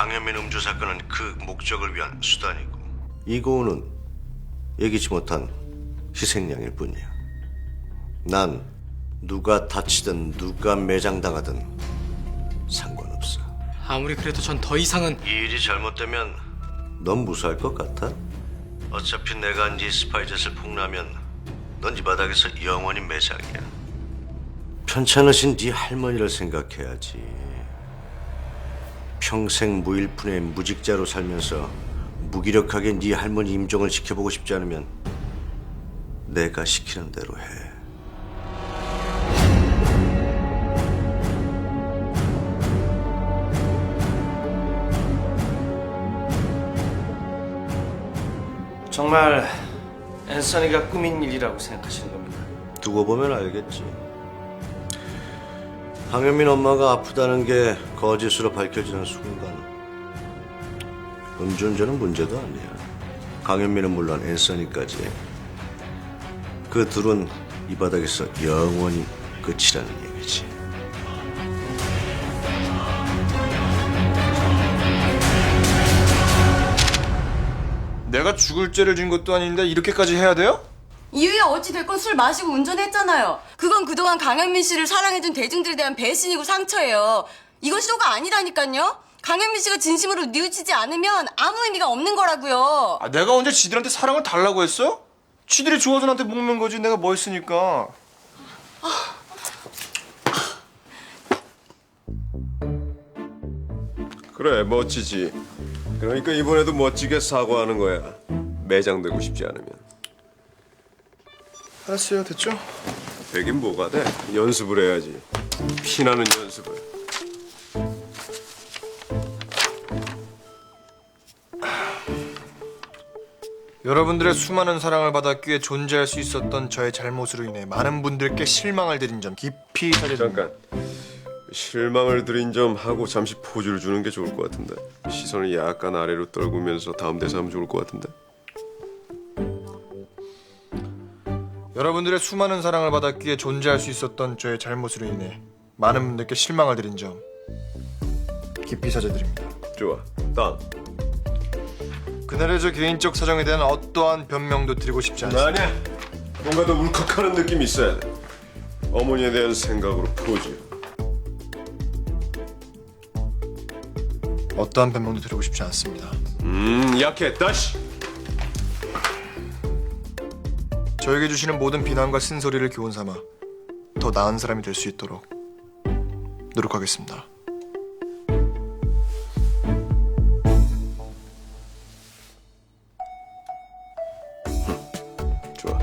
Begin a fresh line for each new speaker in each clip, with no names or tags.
강현민 음주 사건은 그 목적을 위한 수단이고 이고은은 예기치 못한 희생양일 뿐이야. 난 누가 다치든 누가 매장당하든 상관없어.
아무리 그래도 전 더 이상은...
이 일이 잘못되면 넌 무사할 것 같아? 어차피 내가 네 스파이젯을 폭로하면 넌 이 바닥에서 영원히 매장이야. 편찮으신 네 할머니를 생각해야지. 평생 무일푼의 무직자로 살면서 무기력하게 네 할머니 임종을 지켜보고 싶지 않으면 내가 시키는 대로 해.
정말 앤서니가 꾸민 일이라고 생각하시는 겁니까?
두고 보면 알겠지. 강현민 엄마가 아프다는 게 거짓으로 밝혀지는 순간 음주운전은 문제도 아니야. 강현민은 물론 앤서니까지 그 둘은 이 바닥에서 영원히 끝이라는 얘기지.
내가 죽을 죄를 진 것도 아닌데 이렇게까지 해야 돼요?
이유야 어찌됐건 술 마시고 운전했잖아요. 그건 그동안 강현민 씨를 사랑해준 대중들에 대한 배신이고 상처예요. 이건 쇼가 아니라니까요. 강현민 씨가 진심으로 뉘우치지 않으면 아무 의미가 없는 거라고요.
아, 내가 언제 지들한테 사랑을 달라고 했어? 지들이 좋아서 나한테 먹는 거지 내가 뭐 했으니까.
그래, 멋지지. 그러니까 이번에도 멋지게 사과하는 거야. 매장되고 싶지 않으면.
알았어요, 됐죠?
되긴 뭐가 돼. 연습을 해야지. 피나는 연습을.
여러분들의 수많은 사랑을 받았기에 존재할 수 있었던 저의 잘못으로 인해 많은 분들께 실망을 드린 점 깊이 사죄드립니다.
잠깐. 실망을 드린 점 하고 잠시 포즈를 주는 게 좋을 것 같은데. 시선을 약간 아래로 떨구면서 다음 대사 하면 좋을 것 같은데.
여러분들의 수많은 사랑을 받았기에 존재할 수 있었던 저의 잘못으로 인해 많은 분들께 실망을 드린 점 깊이 사죄드립니다.
좋아. 다음.
그날의 저 개인적 사정에 대한 어떠한 변명도 드리고 싶지 않습니다.
아니야. 뭔가 더 울컥하는 느낌이 있어야 돼. 어머니에 대한 생각으로 포즈.
어떠한 변명도 드리고 싶지 않습니다.
약해. 다시.
저에게 주시는 모든 비난과 쓴소리를 교훈 삼아 더 나은 사람이 될 수 있도록 노력하겠습니다.
좋아.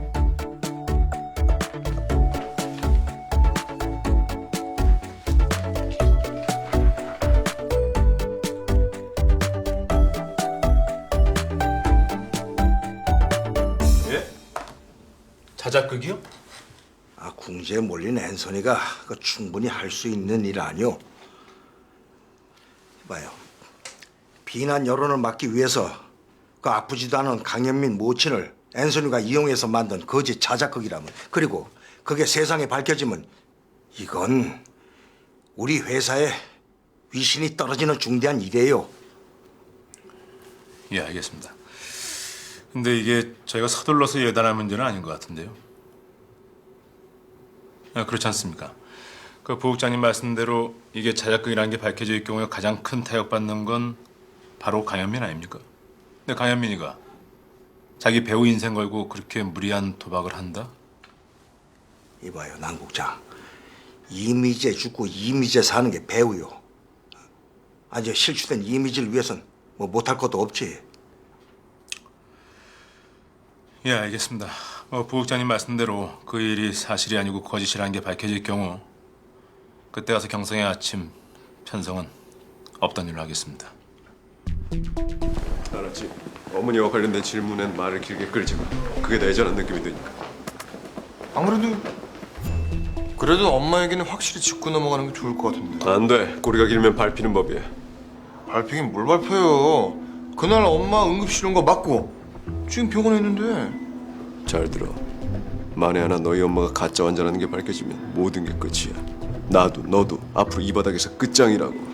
자작극이요?
궁지에 몰린 앤서니가 충분히 할 수 있는 일 아니오. 봐요. 비난 여론을 막기 위해서 아프지도 않은 강현민 모친을 앤서니가 이용해서 만든 거짓 자작극이라면, 그리고 그게 세상에 밝혀지면 이건 우리 회사의 위신이 떨어지는 중대한 일이에요.
예, 알겠습니다. 근데 이게 저희가 서둘러서 예단할 문제는 아닌 것 같은데요. 아, 그렇지 않습니까? 그 부국장님 말씀대로 이게 자작극이라는 게 밝혀질 경우에 가장 큰 타격받는 건 바로 강현민 아닙니까? 근데 강현민이가 자기 배우 인생 걸고 그렇게 무리한 도박을 한다?
이봐요, 남국장. 이미지에 죽고 이미지에 사는 게 배우요. 아니, 실추된 이미지를 위해선 뭐 못할 것도 없지.
예, 알겠습니다. 부국장님 말씀대로 그 일이 사실이 아니고 거짓이라는 게 밝혀질 경우 그때 가서 경성의 아침 편성은 없던 일로 하겠습니다.
알았지. 어머니와 관련된 질문엔 말을 길게 끌지 마. 그게 내전한 느낌이 드니까.
그래도 엄마 얘기는 확실히 짚고 넘어가는 게 좋을 것 같은데.
안 돼. 꼬리가 길면 밟히는 법이야.
밟히긴 뭘 밟혀요. 그날 엄마 응급실 온 거 맞고 지금 병원에 있는데.
잘 들어. 만에 하나 너희 엄마가 가짜 환자라는 게 밝혀지면 모든 게 끝이야. 나도 너도 앞으로 이 바닥에서 끝장이라고.